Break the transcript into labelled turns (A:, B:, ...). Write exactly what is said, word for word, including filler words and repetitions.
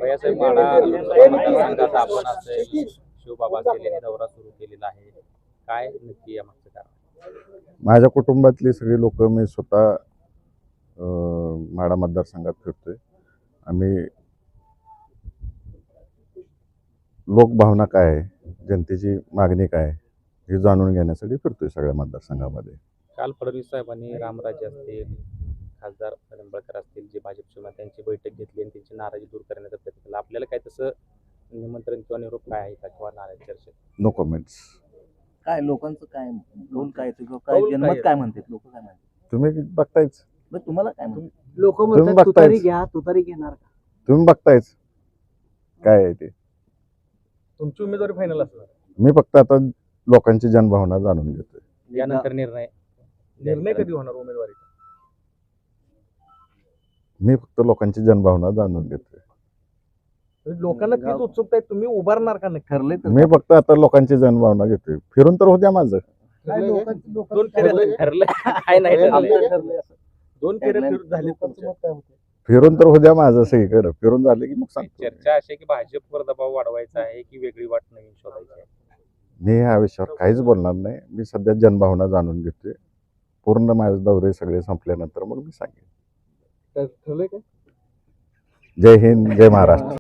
A: भैयासाहेब माडा मतदारसंघात आपण असं शिवबाबा असतील यांनी दौरा सुरू केलेला आहे. काय नक्की या मागचं कारण?
B: माझ्या कुटुंबातली सगळी लोक मी स्वतः अं, माढा मतदारसंघात फिरतोय. आम्ही लोकभावना काय आहे, जनतेची मागणी काय आहे, हे जाणून घेण्यासाठी फिरतोय सगळ्या मतदारसंघामध्ये.
A: काल फडणवीस साहेबांनी रामराजे असतील, खासदार निंबाळकर असतील, जे भाजपचे त्यांची बैठक घेतली आणि त्यांची नाराजी दूर करण्याचा प्रयत्न केला. आपल्याला काय तसं निमंत्रण किंवा निरोप काय आहे का किंवा नाराजी चर्चेत?
B: No comments.
C: काय लोकांचं काय कौल काय ते काय
A: कौल
C: जनमत
A: काय
C: काय म्हणतात लोक काय म्हणतात
B: तुम्ही बघतायच
C: बरं, तुम्हाला काय म्हणतात?
D: लोक
B: तुम्ही
D: म्हणतात
B: बघतायच.
D: तुतारी घ्या तुतारी घेणार का?
B: तुम्ही बघतायच काय आहे ते.
A: तुमची उमेदवारी फायनल असणार,
B: मी फक्त आता लोकांची जनभावना जाणून घेतोय.
A: यानंतर निर्णय निर्णय कधी होणार उमेदवारीचा?
B: मी फक्त लोकांची जनभावना जाणून घेतोय.
D: लोकांना तीच उत्सुकता आहे, तुम्ही उभारणार का नक्की?
C: ठरले तर
B: मी फक्त आता लोकांची जनभावना घेतोय. फिरून तर होत्या माझं.
D: काय लोकांचं-
A: दोन
D: लोकांचं
A: फेऱ्या ठरलं काय नाही ठरलंय?
D: आमचं ठरलंय असं.
A: दोन फेऱ्या
C: Tagline.
A: फिरून झाले
D: लोकांचं
A: तुमच्या.
D: मत काय म्हणतंय?
B: फिरून तर होत्या माझं सगळीकडे. फिरून झाले की मग सांगतो.
A: चर्चा अशी आहे की भाजपवर दबाव वाढवायचा आहे की वेगळी वाट नवीन शोधायची आहे?
B: मी ह्या विषयावर काहीच बोलणार नाही. मी सध्या जनभावना जाणून घेतोय. पूर्ण माझे दौरे सगळे संपल्यानंतर मग मी सांगेन.
D: ठरलंय काय?
B: जय हिंद, जय महाराष्ट्र.